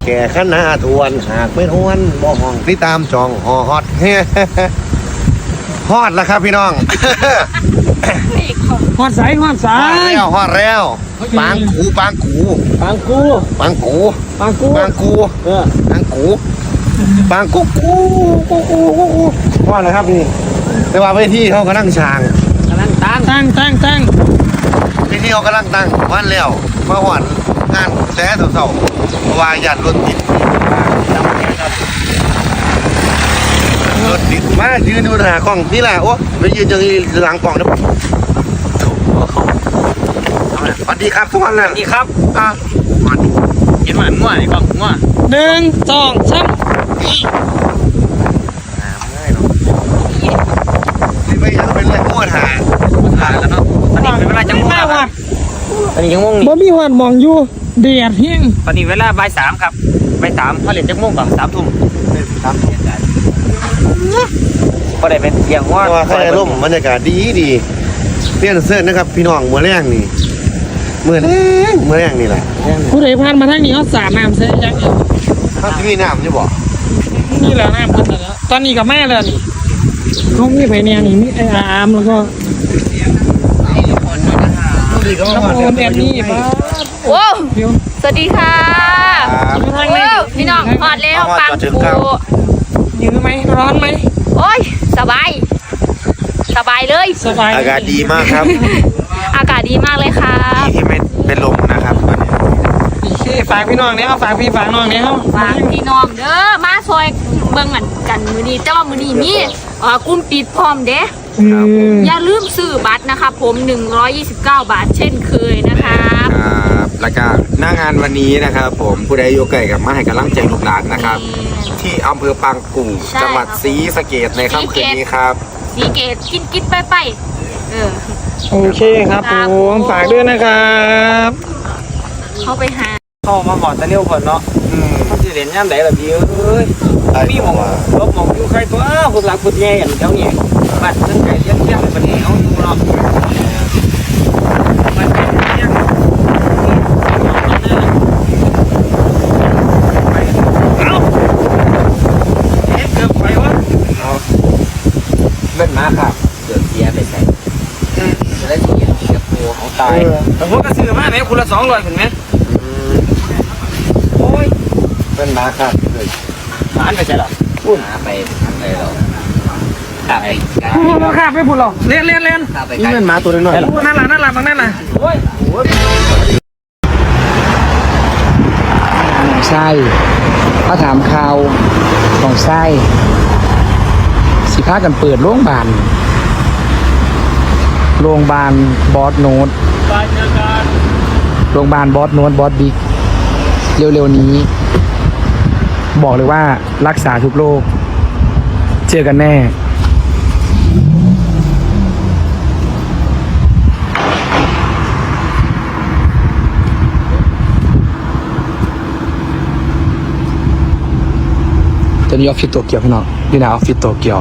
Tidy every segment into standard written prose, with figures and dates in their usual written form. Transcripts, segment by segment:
แก่ขนาทวนหากไม่ทวนบ่ห้องที่ตามจองหอฮอดฮอดแล้วครับพี่น้องหอดสายหอดสาฮอดยแล้วฮอดแล้วปางกูปางกูปางกูปางกูปางกูปางกูเออปางกูปางกูฮอดแล้วครับนี่แต่ว่าเวทีเขากำลังช่างกำลังตั้งเวทีเขากำลังตั้งวันแล้วมาหอดงานแต่เสาๆเพราะว่าญาติรถติดรถติดมายืนอยู่หน้ากล้องนี่แหละโอ้ไปยืนอย่างนี้หลังกล้องนะสวัสดีครับทุกคนนะนี่ครับอ่ะเห็นหวานง่วงไอ้กล้องง่วง 1 2 3 ที่ไม่ยังเป็นเลยม้วนหาผ่านแล้วเนาะตอนนี้เป็นเวลาจังหวะครับตอนนี้ยังม่วงนี่บ่มีหอดมองอยู่เดียดเฮียงตอนนี้เวลาบ่ายสามครับบ่ายสามเขาเล่นจังม่วงก่อน3 ทุ่มก็ได้เป็นเที่ยงว่าว่าข้างในร่มบรรยากาศดีดีเตี้ยนเสื้อนะครับพี่น้องมือแรงนี่มือแรงนี่แหละผู้ใดผ่านมาทางนี้เขาสาดน้ำเสียจังเขาจะมีน้ำจะบอกนี่แหละน้ำเพิ่นน่ะแล้วตอนนี้กับแม่เลยนี่เขามีไผเนี่ยนี่มีไอ้อามแล้วก็ดีก็มาน้ำโอนแอนนี่ป้าโอ้เดี๋ยวสวัสดีค่ะอยู่ทางโอ้นี้พี่น้องหอดแล้วปังปูยื้อไหมร้อนไหมโอ้ยสบาย สบายเลยสบายอากาศดีมากครับอากาศดีมากเลยค่ะที่ไม่เป็นลมนะครับโอเคฝากพี่น้องเนี่ยเอาฝากพี่ฝากน้องเนี่ยเอาฝากพี่น้องเด้อมาซอยเบิ่งกันมือนี้แต่ว่ามือนี้มีกลุ่มปิดพร้อมเด้ อย่าลืมซื้อบัตรนะคะผม129 บาทเช่นเคยนะคะครับแล้วก็หน้างานวันนี้นะครับผมผู้ใดอยู่ใกล้กับมาให้กำลังใจลูกหลานนะครับ ที่อำเภอปางกู่ใช่จังหวัดศรีสะเกษในค่ำคืนนี้ครับสีเกตกินไปเออโอเคครับผมฝากด้วยนะครับเข้าไปหาเข้ามาหมอดตะเลี้ยวคนเนาะเขาจะเล่นย่ำไหนล่ะพี่เอ้ยมีหมองรบหมองอยู่ใครตัวคนหลักคนแย่อย่างเจ้าเนี่ยบ้านนั่นไก่เลี้ยงเลี้ยงเป็นเหนียวอยู่เนาะมันเป็นเลี้ยงเกือบไปวะเล่นมาครับเดือดเสียไปใส่จะได้เสียเสียปูของตายแต่พวกกระสือมาไหมคุณละ200เห็นไหมโอ้ยเล่นมาครับเลยหานไปใช่หรอหาไปทางไหนเราขาไปเราข้าไปพูดหรอเล่นขาไปนี่เป็นหมาตัวน้อยนั่นล่ะบางนั่นล่ะไส้เขาถามข่าวของไส้สิพากันเปิดโรงพยาบาลบอสโนดโรงพยาบาลบอสโนดบอสบิ๊กเร็วๆนี้ บอกเลยว่ารักษาทุกโรคเจอกันแน่ตอนนี้ออฟฟิศโตเกียวพี่น้องนี่นะออฟฟิศโตเกียว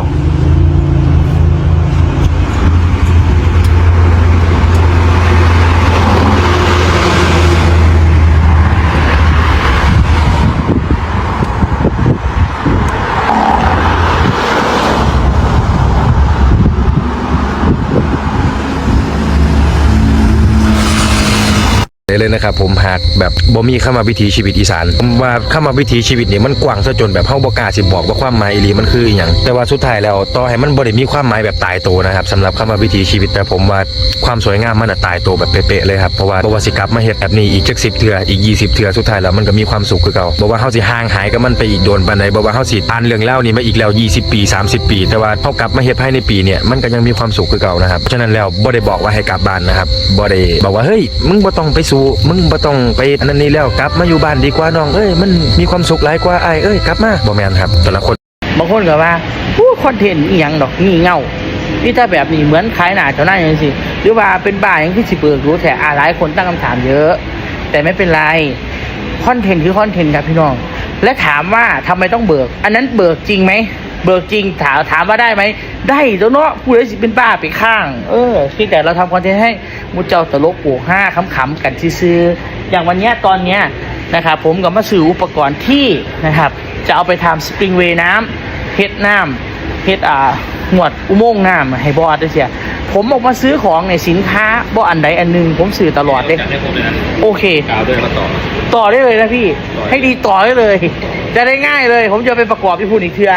เลยนะครับผมหากแบบบ่มีเข้ามาวิถีชีวิตอีสานผมว่าเข้ามาวิถีชีวิตนี่มันกว้างซะจนแบบเฮาบ่กล้าสิบอกว่าความหมายอีหลีมันคืออีหยังแต่ว่าสุดท้ายแล้วต่อให้มันบ่ได้มีความหมายแบบตายตัวนะครับสำหรับเข้ามาวิถีชีวิตแต่ผมว่าความสวยงามมันตายตัวแบบเป๊ะๆเลยครับเพราะว่าบ่ว่าสิกลับมาเฮ็ดแบบนี้อีกจัก10 เทื่ออีก20 เทื่อสุดท้ายแล้วมันก็มีความสุขคือเก่าบ่ว่าเฮาสิห่างหายกับมันไปอีกโดนปานใดบ่ว่าเฮาสิอ่านเรื่องเล่านี่มาอีกแล้ว20 ปี30 ปีแต่ว่าเฮากลับมาเฮ็ดภายในปีเนี่ยมันก็ยังมีความสุขคือเก่านะครับฉะนั้นแล้วบ่ได้บอกว่าให้กลับบ้านนะครับบ่ได้บอกว่าเฮ้ยมึงบ่ต้องไปสู้มึงบ่ต้องไปอันนั้นนี่แล้วกลับมาอยู่บ้านดีกว่าน้องเอ้ยมันมีความสุขหลายกว่าอ้ายเอ้ยกลับมาบ่แม่นครับแต่ละคนบางคนก็ว่าคอนเทนต์อีหยังดอกงี่เง่านี่ถ้าแบบนี้เหมือนขายหน้าเจ้าหน้าอย่างสิหรือว่าเป็นบ้าอย่างที่สิเบิกรู้แต่หลายคนตั้งคำถามเยอะ แต่ไม่เป็นไรคอนเทนต์คือคอนเทนต์ครับพี่น้องและถามว่าทำไมต้องเบิกอันนั้นเบิกจริงไหมเบิกจริงถามว่าได้ไหมได้แล้วเนาะผู้ใดสิเป็นบ้าไปข้างเพียงแต่เราทำคอนเทนต์ให้มุเจ้าตลกปลูก5ขำๆกันซื่ออย่างวันเนี้ยตอนเนี้ยนะครับผมก็มาซื้ออุปกรณ์ที่นะครับจะเอาไปทำสปริงเวย์น้ำเฮ็ดน้ำเฮ็ดหนวดอุโมงค์น้ำให้บอสด้วยเสียผมออกมาซื้อของในสินค้าบ่อันใดอันหนึงผมซื้อตลอดเลยโอเคต่อได้เลยนะพี่ให้ดีต่อได้เลยจะได้ง่ายเลยผมจะไปประกอบที่พูดอีกเทื่อ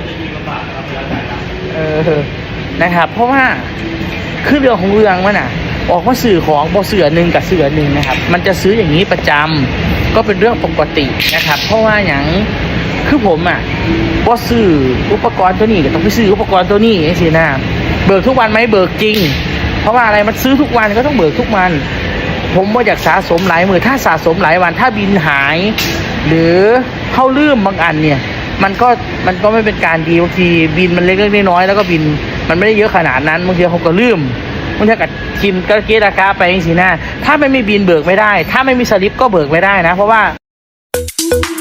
นะครับเพราะว่าคือเรื่องของเรื่องมันออกมาสื่อของบ่เสือหนึ่งกับเสือหนึ่งนะครับมันจะซื้ออย่างนี้ประจำก็เป็นเรื่องปกตินะครับเพราะว่าอย่างคือผมบ่ซื้ออุปกรณ์ตัวนี้ก็ต้องไปซื้ออุปกรณ์ตัวนี้ไอ้สินะเบิกทุกวันไหมเบิกจริงเพราะว่าอะไรมันซื้อทุกวันก็ต้องเบิกทุกวันผมว่าอยากสะสมหลายมือถ้าสะสมหลายวันถ้าบินหายหรือเข้าลืมบางอันเนี่ยมันก็ไม่เป็นการดีบางทีบินมันเล็กๆน้อยๆแล้วก็บินมันไม่ได้เยอะขนาดนั้นบางทีเขาก็ลืมบางทีกับทีมก็เกตราคาไปสินะถ้าไม่มีบินเบิกไม่ได้ถ้าไม่มีสลิปก็เบิกไม่ได้นะเพราะว่า